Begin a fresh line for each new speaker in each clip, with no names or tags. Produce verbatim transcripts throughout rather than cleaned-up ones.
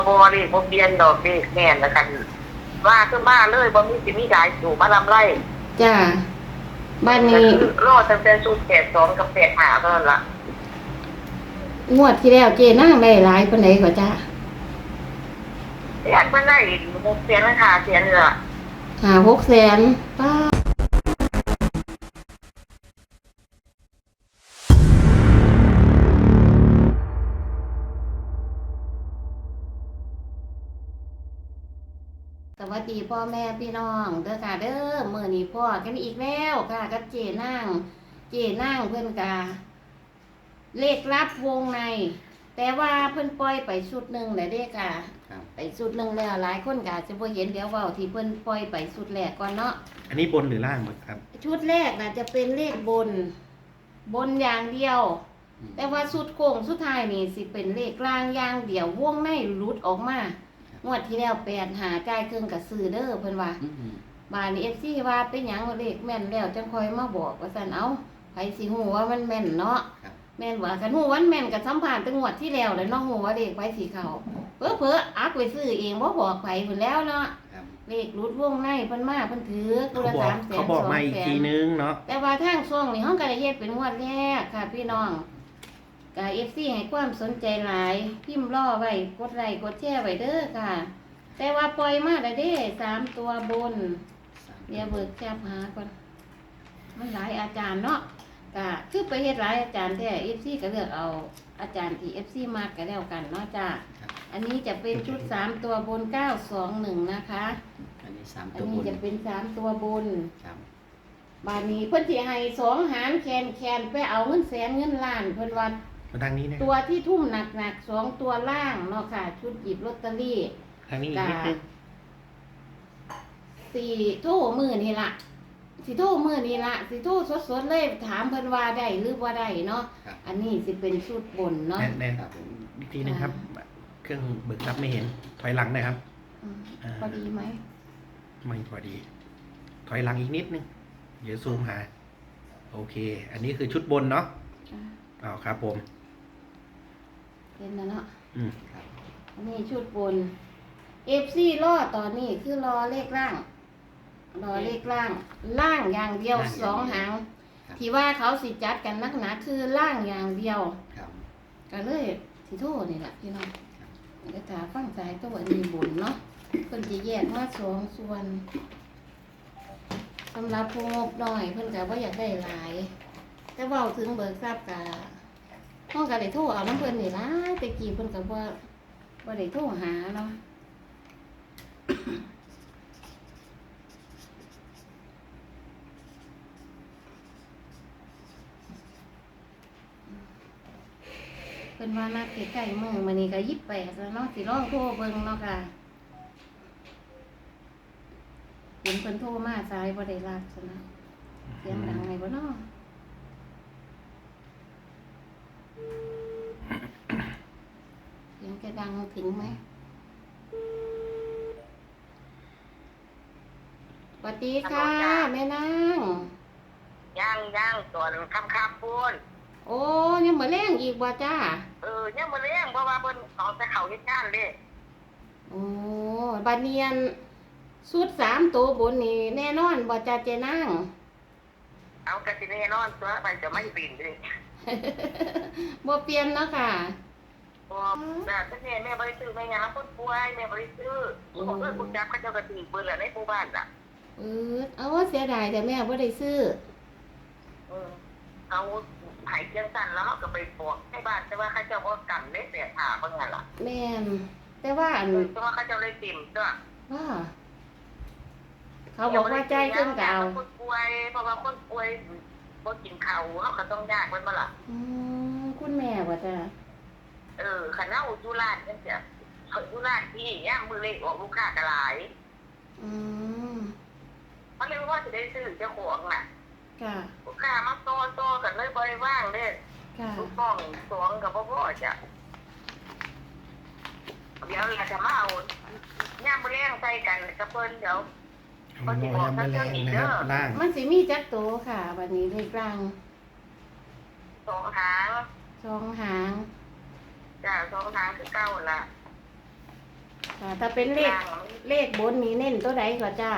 บ่เด้บ่เปลี่ยนดอกเด้แม่นแล้วกันว่าคือมาเลยบ่มีสิมีหลายสู่มาลำไร
จ้าบ้าน
ก็
นี้
คือรอตั้งแต่สูตรแปดสองกับแปดห้าเท่านั้นล่ะ
งวดที่แล้วเจนั่งได้หลายปานใดกว่าจ้า
แสนมันได้หกแสนราคาแสนนี่ล่ะ
ห้า หกแสนป้าสวัสดีพ่อแม่พี่น้องเด้อค่ะเด้อมื้อนี้พ่อกันอีกแล้วค่ะกับเจนางเจนางเพิ่นกาเลขลับวงในแต่ว่าเพิ่นปล่อยไปชุดหนึ่งแล้วเด้ค่ะไปชุดหนึ่งแล้วหลายคนก็จะบ่เห็นเดี๋ยวเว้าที่เพิ่นปล่อยไปชุดแรกก่อนเนาะ
อันนี้บนหรือล่างครับ
ชุดแรกน่ะจะเป็นเลขบนบนอย่างเดียวแต่ว่าชุดโค้งสุดท้ายนี่สิเป็นเลขล่างอย่างเดียววงในหลุดออกมางวดที่แล้วแปดหาจ่ายเครื่องกับซื้อเด้อเพิ่นว่าบานนี้ เอฟ ซี ว่าเป็นหยังเลขแม่นแล้วจังค่อยมาบอกว่าซั่นเอ้าไผสิฮู้ว่ามันแม่นเนาะแม่นว่าคันฮู้ว่ามันแม่นก็สัมภาษณ์ตั้งงวดที่แล้วแล้วเนาะฮู้ว่าเลขไผสิเข้าเพ้อเพ้ออักไปซื้อเองบ่บอกไผพุ่นแล้วเนาะเลขรุดวงในเพิ่นมาเพิ่นถือตัวละสามแสน
เขาบอกมาอีกทีนึงเนาะ
แต่ว่าทางช่วงนี้เฮาก็ได้เฮ็ดเป็นงวดแรกค่ะพี่น้องก็ เอฟ ซี ให้ความสนใจหลายพิมพ์รอไว้กดไลค์กดแชร์ไว้เด้อค่ะแต่ว่าปล่อยมาได้เด้สามตัวบนเดี๋ยวเบิกแคบหาก่อนมันหลายอาจารย์เนาะก็คือไปเฮ็ดหลายอาจารย์แท้ เอฟ ซี ก็เลือกเอาอาจารย์ที่ เอฟ ซี มากก็แล้วกันเนาะจ้าอันนี้จะเป็นชุดสามตัวบนเก้าสองหนึ่งนะคะ
อันนี้สาม
อั
ตัวนบ
นี้
น
จะเป็นสามตัวบน
ครับ
บาดนี้เพิ่นสิให้สองหารแคนแคนไปเอาเงินแสนเงินล้านเพิ่นว่า
มาทางนี้นะ
ตัวที่ทุ่มหนักๆสองตัวล่างเนาะค่ะชุดหยิบลอตเตอรี่
ทางนี้อีกนิดนึง
สี่โทรมือนี่ละสี่โทรมือนี่ละสี่โทรสดๆเลยถามเพิ่นว่าได้หรือว่าได้เนาะอันนี้สิเป็นชุดบนเนาะ
แน่นครับอีกทีนึงครับเครื่องเบิกรับไม่เห็นถอยหลังหน่อยครับ
พอดีไหม
ไม่พอดีถอยหลังอีกนิดนึงเดี๋ยวซูมหาโอเคอันนี้คือชุดบนเนาะอ้าวครับผม
เห็นแล้วเนาะ
อืม
อันนี้ชุดบน เอฟ ซี รอตอนนี้คือรอเลขล่างรอเลขล่างล่างอย่างเดียวสองหางที่ว่าเขาสิจัดกันนักหนาคือล่างอย่างเดียวก็เลยสิโทษนี่แหละพี่น้องเดี๋ยวถาฟังสายตัวนี้บนเนาะเพิ่นจะแยกมาสองส่วนสำหรับผู้งบน้อยเพิ่นก็บ่อยากได้หลายแต่เว้าถึงเบิกทรัพย์กะห้องก็ได้โทรเอาน้ำเพิ่นนี่ล่ะแต่กี้เพิ่นก็บ่บ่ได้โทรหาเนาะเพิ่นว่านัดใกล้ๆมื้อมื้อนี้ก็ยี่สิบแปดแล้วเนาะสิลองโทรเบิ่งเนาะค่ะเห็นเพิ่นโทรมาสายบ่ได้รับซะนะเสียงดังไงบ่เนาะเสียงจะดังถึงไหมสวัสดีค่ะแม่นาง
ย่างย่างตอนค่ำๆพูน
โอ้ยังบ่แรงอีกบ่จ้า
เออยังบ่แรงเพราะว่าเพิ่นเอาแต่เข้าเฮ็ดงานเด้
โอ้บัดเนียนสุดสามตัวบนนี่แน่นอนบ่จ้าเจนาง
เอากะสิแน่นอนตัวไปจะไม่ปีนเด้
บ่เปลี่ยนเนาะค่ะ
บ่น่ะแต่แม่แม่บ่ได้ซื้อแม่ยามคนป่วยแม่บ่ได้ซื้อผู้คนเอ้ยผู้จับเขาเจ้าก็ถือเบิ่นแล้วในหมู่บ้านน่ะ
เออเอาว่าเสียดายแต่แม่บ่ได้ซื้อ
เออเอาหายเจียงสั่นแล้วเขาก็ไปบอกให้บ้านแต่ว่าเขาเจ้าบ่กันได้แต่ถาเบิ่งนั่นล่ะ
แม่นแต่ว่าอัน
แต่ว่าเขาเจ้าเลยติ่มตัว
ว่าเขาบอกว่าใจขึ้นเก่า
คนป่วยเพราะว่าคนป่วยบ่กินข้าวเขาก็ต้องยากมันบ่ล่ะ
อืมคุณแม่ว่าจ้ะ
เออคันเฮาอยู่ร้านจังซี่เขาอยู่ร้านที่ย่ามมื้อเล็กออกลูกค้าก็หลาย
อืม
มันเลยว่าสิได้ซื้อเจ้าของน่ะ
ค่ะ
ลูกค้ามาโตๆกันเลยบ่ได้ว่างเด้
ค่ะ
ลูกน้องสองก็บ่พอจ้ะเดี๋ยวเราจะมาเอาย่ามมื้อแลงใส่กันกับเพิ่นเดี๋ยว
มันสิบอกทั้งเรื่องนี้เด้อ
มันสิมีจักโตค่ะบัดนี้เลขกลาง
สองหาง
สองหาง
จ้ะสองหางคือเก่าล่ะ
ค่ะ ถ้าเป็นเลข
ล่าง
เลขบนนี้เน้นตัวใดก็จ้า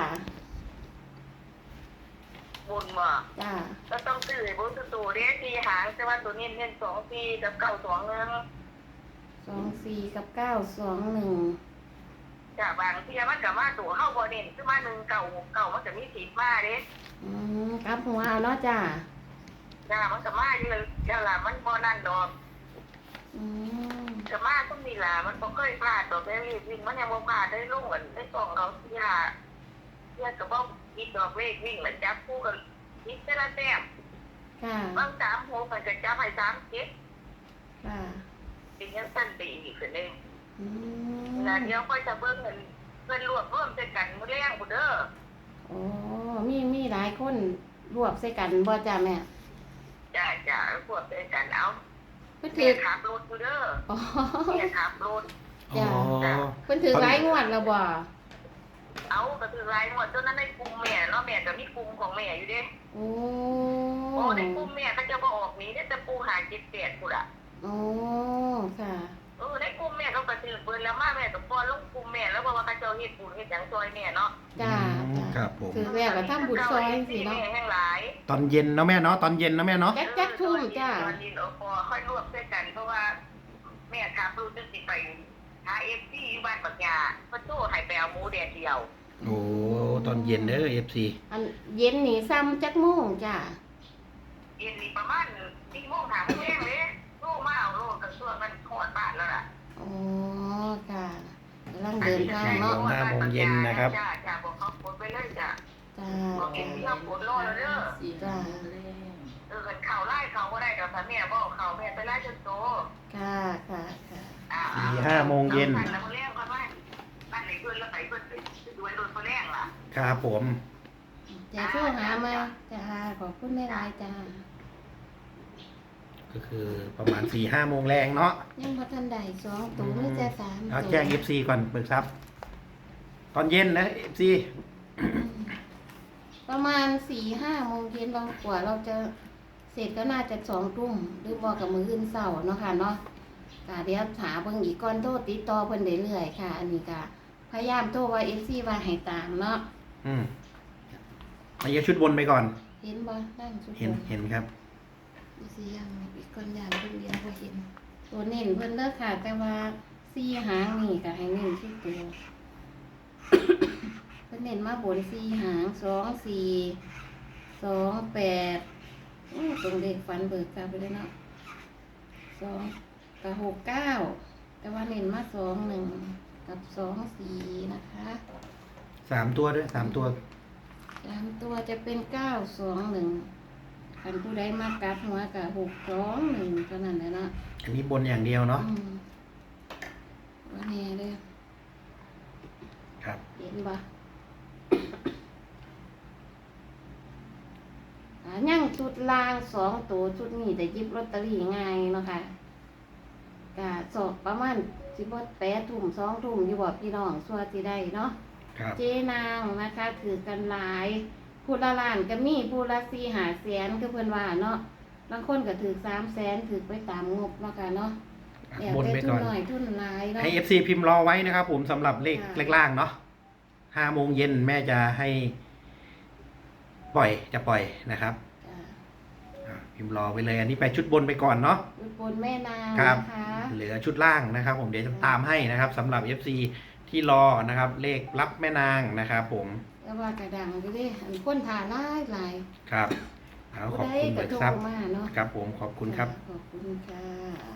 บนบ่
จ้า
ก็ต้องซื้อไอ้บนตัวเด้สี่หางแต่ว่าตัวนี้เน้นสองสี่กับเก้าสองหนึ่ง
สองสี่กับเก้าสองหนึ่ง
จ้ะบางเที่ยมันก็มาตัวเฮาบ่เน้นคือมาหนึ่งเก้าหกเก้ามันก็มีสิทธิ์มาเด้
อืมกลับหัวเอาเนาะจ้า
จ้ะมันก็มาอยู่เลยจ้ะล่ะมันบ่นั่นดอก
อืม
ก็มาต้องมีล่ะมันบ่เคยพลาดดอกได้วิ่งมันยังบ่พลาดได้ลงกันได้ส่องเขาที่ล่ะเพื่อก็บ่มีดอกเลขวิ่งแล้วจับคู่กันนิดแต่ละแต้ม
ค่ะ
บางสามหกมันก็จับให้สามเจ็ด
ค่ะ
เป็นยังสั้นไปอีกคือนึง
อืม
แล้วเดี๋ยวค่อยจะเบิ่งเงินเพิ่นรวบรวมใส่กันมื้อแรงพุ่นเด้อ
โอ้มีมีหลายคนรวบใส่กันบ่จ้าแม่
จ้ะจ้ะรวบใส่กันเอา
เพิ่น
เมี
ถื
ย
อ
ขับรถอยู่เด้อ
อ๋อ
เมียขับรถ
อ๋อ
เพิ่นถือหลายงวดแล้วบ่
เอาก็คือรายหมดจนนั้นในกลุ่มแม่เนาะแม่ก็มีกลุ่มของแม่อยู่เด้
โอ้
โอ้ในกลุ่มแม่เขาจะบ่ออกหนี้ได้แต่ปูหาเจ็ดแปดพุ่นอ่ะ
โอ้ค่ะ
เออในกลุ่มแม่เขาก็ถือเบิ่นแล้วมาแม่ก็ป้อนลงกลุ่มแม่แล้วเพราะว่าเขาเจ้าเฮ็ดบุญเฮ็ดหยังซอยแม่เนาะ
จ้า
อืม
จ้า
ครับผม
ถือแล้วก็ทำบุญซอยสิเนาะ
แม่แห่งหลาย
ตอนเย็นเนาะแม่เนาะตอนเย็นเนาะแม่เนาะ
แจ๊กแจ๊กทุ่มจ้า
ตอนนี้เราพอค่อยรวบด้วยกันเพราะว่าแม่ขับรถจนสิไปหา เอฟ ซี อยู่บ้านปักยาเพิ่นโทรให้ไปเอาหมูแดดเดียว
โอ้ตอนเย็นเด้อเอฟซี
อันเย็นนี่ซ้ำจักโมงจ้า
เย็นนี่ประมาณสี่โมงหาโมงแรงเลยโทรมาเอาโลดกับส่วนมันฮอดบ้านแล้วล่ะ
โอ้ค่ะกำลังเดินทางเนาะ
ห้าโมงเย็นนะครับ
จ้าจ้าบอกเขากดไปเลยจ้า
จ้า
บอกเอ็นที่เรากดรอแล้วเด้อ
จ้า
เออกันข่าวไล่เขาก็ได้เดี๋ยวถ้าแม่บอกเขาแม่ไปไล่จนโต
ค่ะค่ะค่ะ
อ่า
สี่ห้าโมงเย็น
อาไปแล้วมื้อแรงก็ว่าบ้านไหนเพิ่นแล้วไปเพิ่นไปด้วยรถมื้อแรงล่ะ
ครับผม
จะโทรหามาจ้าขอบคุณแม่รายจ้า
ก็คือประมาณสี่ห้าโมงแรงเนาะ
ยังพัทันใดสองตัวไม่จะสาม
เอา
ตัว
แจ้งเอฟซีก่อนเบิกทรัพย์ตอนเย็นนะเอฟซี
ประมาณสี่ห้าโมงเย็นเรากว่าเราจะเสร็จก็น่าจะสองทุ่มหรือบอกกับมืออื่นเสาร์เนาะค่ะเนาะกะเดี๋ยวถาเบิ่งอีกก่อนโทษติดต่อเพิ่นเรื่อยๆค่ะ อันนี้ก็พยายามโทรว่าเอฟซีว่าให้ตามเนาะ
อืมเอาเยอะชุดบนไปก่อน
เห็นบ่ด้านสุด
เห็นเห็นครับ
อีสิยังอีกก่อนอย่างเพิ่นเดียวบ่เห็น ตัวเน้นเพิ่นเด้อค่ะ แต่ว่าสี่หางนี่ก็ให้เน้นที่ตัว เพิ่นเน้นมาบนสี่หางสองสี่สองแปดอื้อตรงเลขฟันเบิกกลับไปเลยเนาะสองกับหกเก้าแต่ว่าเน้นมาสองหนึ่งกับสองสี่นะคะ
สามตัวด้วยสามตัว
สามตัวจะเป็นเก้าสองหนึ่งคันผู้ใดมากัดหัวกับหกสองหนึ่งเท่านั้นแหละเนาะ
อันนี้บนอย่างเดียวเนาะ
อืมว่าแน่เลย
ครับ
เห็นบ่อ่ายังชุดลางสองตัวชุดนี้แต่หยิบลอตเตอรี่ง่ายเนาะค่ะกะสอบประมาณสิบแปดทุ่มสองทุ่มอยู่บ่พี่น้องสัวสิได้เนาะ
ครับ
เจนางนะคะถือกันหลายผู้ละล้านก็มีผู้ละสี่หาแสนคือเพิ่นว่าเนาะบางคนก็ถือสามแสนถือไปตามงบเนาะค่ะเนาะ
อ่ะ
แล้ว
บน
แต่
ไป
ทุ
ก่
น
อน
หน่อยทุนหลายเนาะ
ให้เอฟซีพิมพ์รอไว้นะครับผมสำหรับเลข
ค่ะ
เลขล่างเนาะห้าโมงเย็นแม่จะให้ปล่อยจะปล่อยนะครับ
จ้ะ
อ่ะพิมพ์รอไว้เลย อันนี้ไปชุดบนไปก่อนเนาะ
ยุดบนแม่นาง
ครับ
นะคะ
เหลือชุดล่างนะครับ ผมเดี๋ยวจะตามให้นะครับสำหรับ เอฟ ซี ที่รอนะครับ เลขรับแม่นางนะครับผม
แล้วว่ากระดังไปเลยอันคนทาหลายหลาย
ครับเอาขอบ
ผู้
คุณ
ใดก็
เบิก
โทร
ทรัพย์
มาเนาะ
ครับผมขอบคุณครับ
ขอบคุณค่ะ